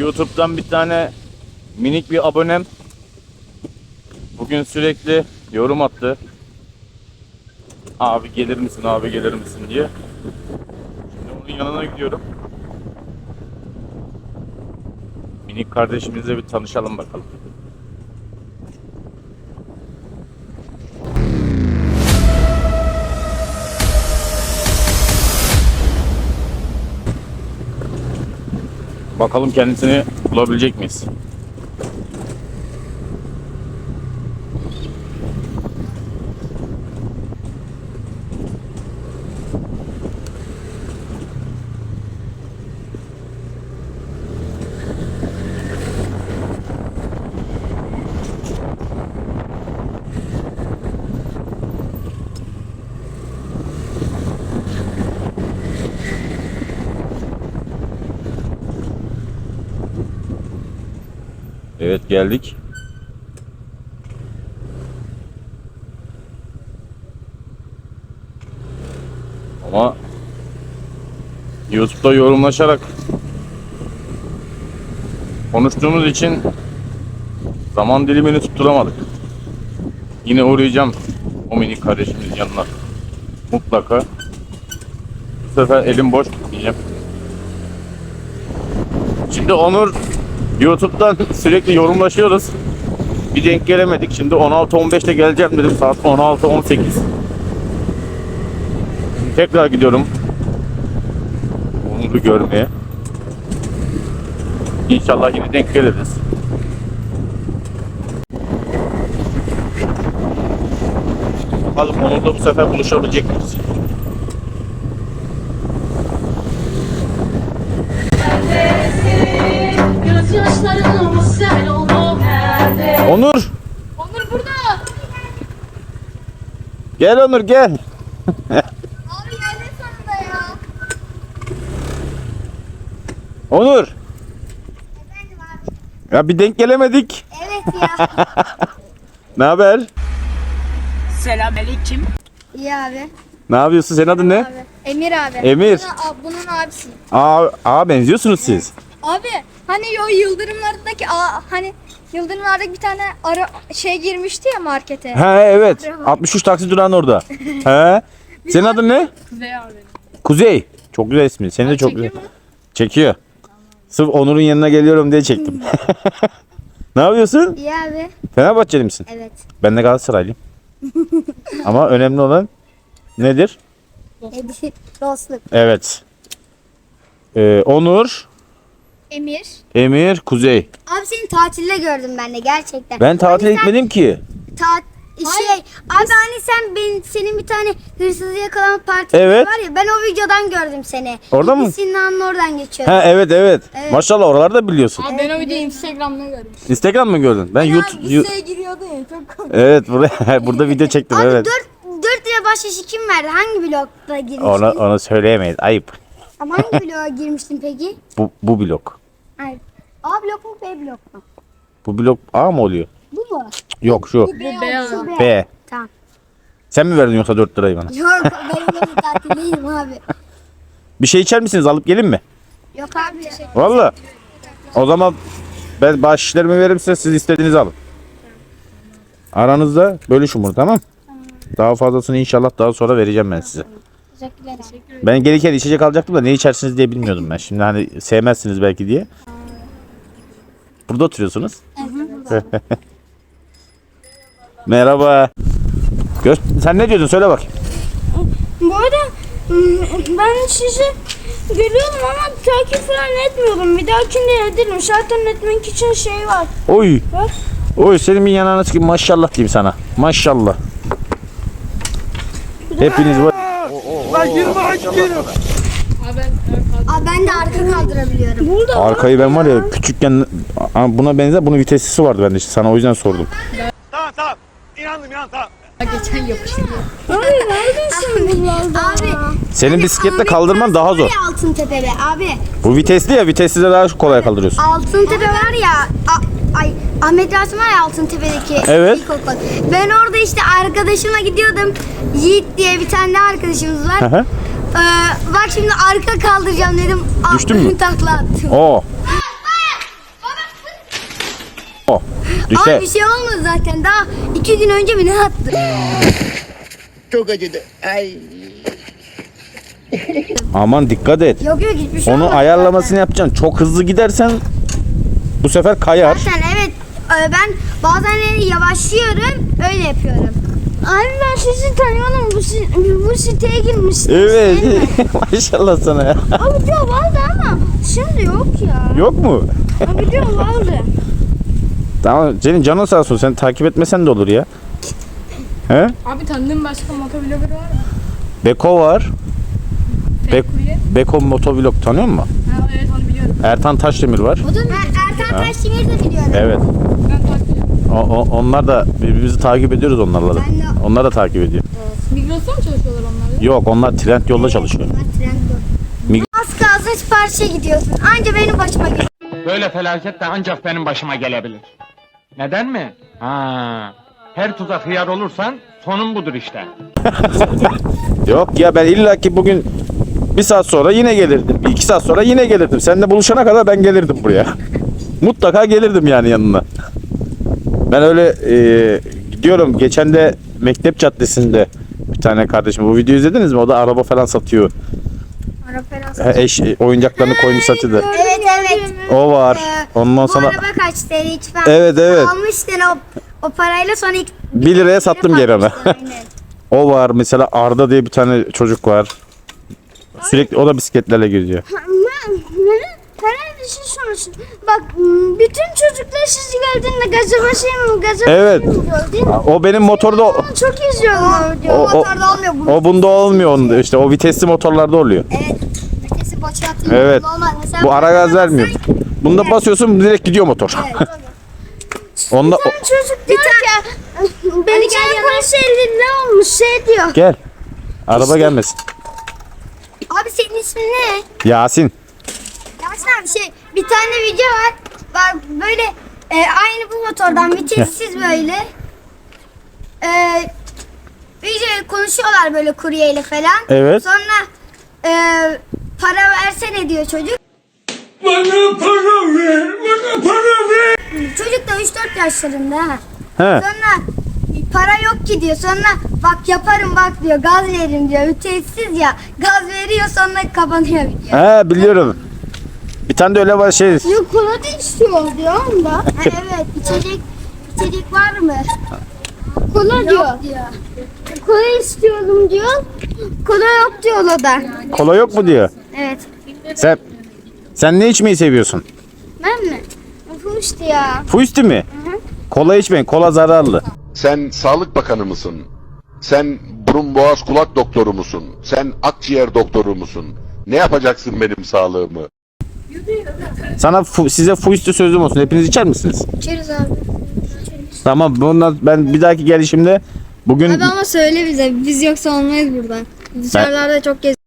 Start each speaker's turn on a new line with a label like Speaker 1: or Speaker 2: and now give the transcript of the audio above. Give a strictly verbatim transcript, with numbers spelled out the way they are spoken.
Speaker 1: YouTube'dan bir tane minik bir abonem bugün sürekli yorum attı. Abi gelir misin, abi gelir misin diye. Şimdi onun yanına gidiyorum. Minik kardeşimizle bir tanışalım bakalım. Bakalım kendisini bulabilecek miyiz? Evet, geldik. Ama YouTube'da yorumlaşarak konuştuğumuz için zaman dilimini tutturamadık. Yine uğrayacağım o minik kardeşimizin yanına. Mutlaka. Bu sefer elim boş gitmeyeceğim. Şimdi Onur YouTube'dan sürekli yorumlaşıyoruz. Bir denk gelemedik. Şimdi on altı on beşte geleceğim dedim. Saat on altı on sekiz. Tekrar gidiyorum Onur'u görmeye. İnşallah yine denk geliriz. Bakalım Onur'da bu sefer buluşabilecek miyiz? Onur!
Speaker 2: Onur burada.
Speaker 1: Gel Onur gel.
Speaker 2: Abi geldin sonunda ya.
Speaker 1: Onur!
Speaker 2: Efendim abi.
Speaker 1: Ya bir denk gelemedik.
Speaker 2: Evet ya.
Speaker 1: Ne haber?
Speaker 3: Selamünaleyküm.
Speaker 2: İyi abi.
Speaker 1: Ne yapıyorsun? Senin adın ne?
Speaker 2: Abi. Emir abi.
Speaker 1: Emir.
Speaker 2: Bunun, bunun abisi.
Speaker 1: Aa, aa benziyorsunuz siz.
Speaker 2: Abi hani o yıldırımlardaki a, hani yıldırımlardaki bir tane ara şey girmişti ya markete.
Speaker 1: He evet. altmış üç taksi durağın orada. He. Senin adın ne?
Speaker 2: Kuzey abi.
Speaker 1: Kuzey. Çok güzel ismi. Seni de çok güzel. Çekiyor. Sırf Onur'un yanına geliyorum diye çektim. Ne yapıyorsun?
Speaker 2: İyi abi.
Speaker 1: Fenerbahçeli misin?
Speaker 2: Evet.
Speaker 1: Ben de Galatasaraylıyım. Ama önemli olan nedir?
Speaker 2: Dostluk.
Speaker 1: Evet. Ee, Onur,
Speaker 2: Emir.
Speaker 1: Emir, Kuzey.
Speaker 2: Abi seni tatilde gördüm ben de gerçekten.
Speaker 1: Ben tatil
Speaker 2: Hani sen
Speaker 1: etmedim ki.
Speaker 2: Ta- şey, abi hani sen ben senin bir tane hırsızı yakalama partisi
Speaker 1: Evet.
Speaker 2: var ya ben o videodan gördüm seni.
Speaker 1: Orada mı?
Speaker 2: Sinan'ın oradan geçiyordu.
Speaker 1: Ha evet, evet
Speaker 2: Evet.
Speaker 1: Maşallah oraları da biliyorsun.
Speaker 4: Abi ben o videoyu Instagram'da gördüm.
Speaker 1: Instagram mı gördün? Ben YouTube.
Speaker 4: Yani liseye giriyordu ya çok komik.
Speaker 1: Evet buraya burada video çektim
Speaker 2: Abi
Speaker 1: evet.
Speaker 2: dört lira bahşişi kim verdi? Hangi blokta girmiştin?
Speaker 1: Onu onu söyleyemeyiz. Ayıp.
Speaker 2: Ama hangi bloğa girmiştin peki?
Speaker 1: Bu bu blok.
Speaker 2: Hayır. A blok mu B blok mu?
Speaker 1: Bu blok A mı oluyor?
Speaker 2: Bu mu?
Speaker 1: Yok şu.
Speaker 4: Bu beyaz.
Speaker 2: Şu B.
Speaker 1: B.
Speaker 2: Tamam.
Speaker 1: Sen mi verdin yoksa dört lirayı bana?
Speaker 2: Yok ben yine tatildeyim abi.
Speaker 1: Bir şey içer misiniz? Alıp gelin mi?
Speaker 2: Yok abi. Teşekkür
Speaker 1: Vallahi. O zaman ben bahşişlerimi veririm size, siz istediğinizi alın. Aranızda bölüşün bunu, tamam? Daha fazlasını inşallah daha sonra vereceğim ben size.
Speaker 2: Teşekkürler.
Speaker 1: Ben gelirken içecek alacaktım da ne içersiniz diye bilmiyordum ben. Şimdi hani sevmezsiniz belki diye. Burada oturuyorsunuz. Merhaba. Gö Sen ne diyordun? Söyle bakayım.
Speaker 4: Bu arada ben sizi görüyorum ama takip falan etmiyorum. Bir dahakinde ederim. Zaten etmek için şey var.
Speaker 1: Oy.
Speaker 4: Bak.
Speaker 1: Oy senin bir yanağına çıkayım. Maşallah diyeyim sana. Maşallah. Hepiniz var.
Speaker 2: Abi ben de arka kaldırabiliyorum.
Speaker 4: Burada
Speaker 1: Arkayı ben var ya küçükken buna benzer bunun viteslisi vardı bende işte sana o yüzden sordum.
Speaker 3: Tamam tamam. İnandım ya tamam.
Speaker 4: geçen yapıştı. Hayır neredesin buralarda?
Speaker 2: Abi.
Speaker 1: Senin bisikletle kaldırman daha zor.
Speaker 2: Altıntepe be abi.
Speaker 1: Bu vitesli ya, vitesli de daha kolay kaldırıyorsun.
Speaker 2: Altıntepe var ya. A, ay Ahmet Rasim var ya Altıntepe'deki
Speaker 1: Evet.
Speaker 2: ilkokul. Ben orada işte arkadaşımla gidiyordum. Yiğit diye bir tane daha arkadaşımız var.
Speaker 1: Hı hı.
Speaker 2: Ee, bak şimdi arka kaldıracağım dedim.
Speaker 1: Düştün mü?
Speaker 2: Takla attım.
Speaker 1: Oo. Düşer.
Speaker 2: Ama bir şey olmadı zaten. Daha iki gün önce mi ne attı?
Speaker 5: Çok acıdı. Ay.
Speaker 1: Aman dikkat et.
Speaker 2: Yok yok hiçbir şey
Speaker 1: Onu
Speaker 2: olmadı
Speaker 1: ayarlamasını yapacaksın. Çok hızlı gidersen bu sefer kayar.
Speaker 2: Zaten evet e, ben bazen yavaşlıyorum öyle yapıyorum.
Speaker 4: Abi ben sizi tanıyorum. Bu, si- bu siteye girmişsiniz.
Speaker 1: Evet.
Speaker 4: değil mi?
Speaker 1: Maşallah sana ya.
Speaker 4: Abi diyor vardı ama şimdi yok ya.
Speaker 1: Yok mu?
Speaker 4: Abi diyor vardı.
Speaker 1: Tamam senin canın sağ olsun. Sen takip etmesen de olur ya. He?
Speaker 6: Abi tanıdığın başka motovlogger var mı?
Speaker 1: Beko var. Be-
Speaker 6: Kurye.
Speaker 1: Beko motovlog tanıyor musun?
Speaker 6: Ha, evet onu biliyorum.
Speaker 1: Ertan Taşdemir var.
Speaker 2: O da Er- Ertan Taşdemir'i de biliyorum.
Speaker 1: Evet.
Speaker 6: Ben takip ediyorum.
Speaker 1: O, o- onlar da birbirimizi takip ediyoruz onlarla da.
Speaker 2: Ben de-
Speaker 1: Onlar da takip ediyor.
Speaker 6: Migros'ta mı çalışıyorlar onlar?
Speaker 1: Yok onlar trend yolda çalışıyor. Mig-
Speaker 2: Az kalsın siparişe gidiyorsun. Anca benim başıma geliyor.
Speaker 7: Böyle felaket de ancak benim başıma gelebilir. Neden mi? Ha, her tuzak hıyar olursan sonun budur işte.
Speaker 1: Yok ya ben illaki bugün bir saat sonra yine gelirdim. Bir iki saat sonra yine gelirdim. Seninle buluşana kadar ben gelirdim buraya. Mutlaka gelirdim yani yanına. Ben öyle e, gidiyorum. Geçen de Mektep Caddesi'nde bir tane kardeşim. Bu videoyu izlediniz mi? O da araba falan satıyor. Ha, Eş e, oyuncaklarını koymuş satıyor.
Speaker 2: Evet evet.
Speaker 1: O var.
Speaker 2: Ee,
Speaker 1: Ondan
Speaker 2: Bu
Speaker 1: sonra
Speaker 2: araba kaç T L hiç ben
Speaker 1: Evet, evet.
Speaker 2: almıştın o, o parayla sonra ilk
Speaker 1: bir liraya sattım geri ona.
Speaker 2: Aynen.
Speaker 1: O var. Mesela Arda diye bir tane çocuk var. Sürekli o da bisikletlerle geziyor.
Speaker 4: Herhalde bir şey sorsun. Bak m, bütün çocuklar sizi geldiğinde gaza basayım mı? Gaza
Speaker 1: Evet.
Speaker 4: basayım mı diyor, değil mi?
Speaker 1: O benim motorda o,
Speaker 4: Çok izliyorum o videoyu.
Speaker 1: o, o,
Speaker 2: Motorda olmuyor bu.
Speaker 1: o bunda olmuyor onda işte o vitesli motorlarda oluyor.
Speaker 2: Evet. Vitesi boşa atıyor.
Speaker 1: Evet.
Speaker 2: Normal. Mesela
Speaker 1: Bu ara gaz vermiyor. Bunda basıyorsun direkt gidiyor motor. Onda o-
Speaker 4: Çocuk diyor ki benim
Speaker 2: gel
Speaker 4: telefon elinde olmuş şey diyor.
Speaker 1: gel. Araba gelmesin.
Speaker 2: Abi senin ismin ne?
Speaker 1: Yasin.
Speaker 2: Yasin abi şey bir tane video var. Bak böyle e, aynı bu motordan vitessiz böyle. E, video konuşuyorlar böyle kuryeyle falan.
Speaker 1: Evet.
Speaker 2: Sonra e, para versene diyor çocuk.
Speaker 3: Bana para ver, bana para ver.
Speaker 2: Çocuk da üç dört yaşlarında ha.
Speaker 1: He.
Speaker 2: Sonra para yok ki diyor. Sonra bak yaparım bak diyor. Gaz veririm diyor. Vitessiz ya. Gaz veriyor sonra kapanıyor video.
Speaker 1: He biliyorum. Bir tane de öyle var şey.
Speaker 4: Yok kola da istiyor diyor onda.
Speaker 2: Ha, evet içecek içecek var mı?
Speaker 4: Kola diyor.
Speaker 2: Yok diyor.
Speaker 4: Kola istiyorum diyor. Kola yok diyor o da.
Speaker 1: Kola yok mu diyor.
Speaker 2: Evet.
Speaker 1: Sen sen ne içmeyi seviyorsun?
Speaker 4: Ben mi? Fuştu ya.
Speaker 1: Fuisti mi? Kola içmeyin. Kola zararlı.
Speaker 8: Sen Sağlık Bakanı mısın? Sen burun boğaz kulak doktoru musun? Sen akciğer doktoru musun? Ne yapacaksın benim sağlığımı?
Speaker 1: Sana fu- size fuisti sözüm olsun. Hepiniz içer misiniz?
Speaker 2: İçeriz abi.
Speaker 1: Tamam. Bundan ben bir dahaki gelişimde bugün
Speaker 2: Abi ama söyle bize. Biz yoksa olmayız burada. Dışarılarda çok gez.